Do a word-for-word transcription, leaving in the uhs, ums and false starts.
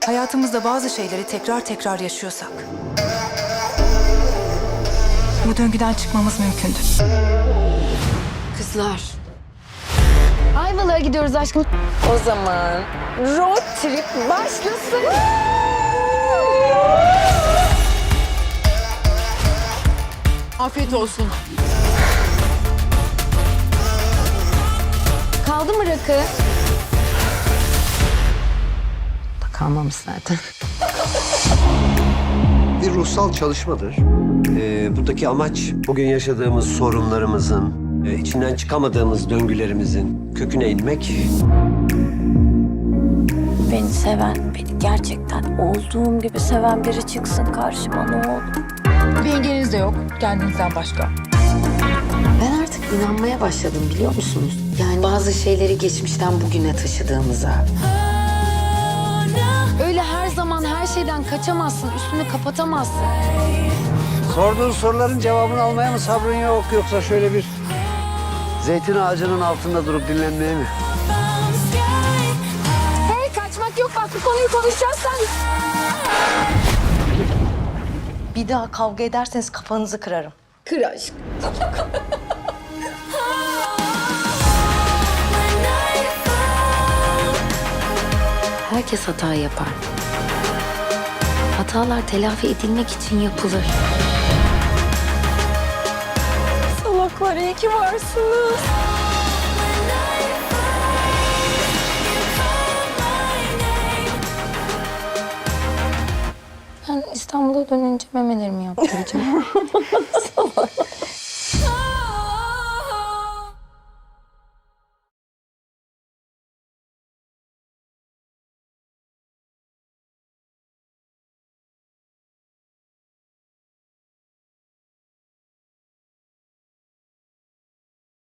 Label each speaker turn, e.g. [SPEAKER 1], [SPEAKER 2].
[SPEAKER 1] hayatımızda bazı şeyleri tekrar tekrar yaşıyorsak bu döngüden çıkmamız mümkündür.
[SPEAKER 2] Kızlar. Ayvalık'a gidiyoruz aşkım. O zaman road trip başlasın.
[SPEAKER 3] Afiyet olsun.
[SPEAKER 2] Kaldı mı rakı? Kalmamış zaten.
[SPEAKER 4] Bir ruhsal çalışmadır. Ee, buradaki amaç bugün yaşadığımız sorunlarımızın, e, içinden çıkamadığımız döngülerimizin köküne inmek.
[SPEAKER 5] Beni seven, beni gerçekten olduğum gibi seven biri çıksın karşıma ne olur.
[SPEAKER 1] Bir engeliniz de yok kendinizden başka.
[SPEAKER 6] Ben artık inanmaya başladım biliyor musunuz? Yani bazı şeyleri geçmişten bugüne taşıdığımıza.
[SPEAKER 2] Öyle her zaman her şeyden kaçamazsın, üstünü kapatamazsın.
[SPEAKER 7] Sorduğun soruların cevabını almaya mı sabrın yok yoksa şöyle bir zeytin ağacının altında durup dinlenmeye mi?
[SPEAKER 2] Hey kaçmak yok bak bu konuyu konuşacağız sen.
[SPEAKER 5] Bir daha kavga ederseniz kafanızı kırarım.
[SPEAKER 2] Kır aşk.
[SPEAKER 6] Herkes hata yapar. Hatalar telafi edilmek için yapılır.
[SPEAKER 5] Salaklar iyi ki varsınız. Ben İstanbul'a dönünce memelerimi yaptıracağım.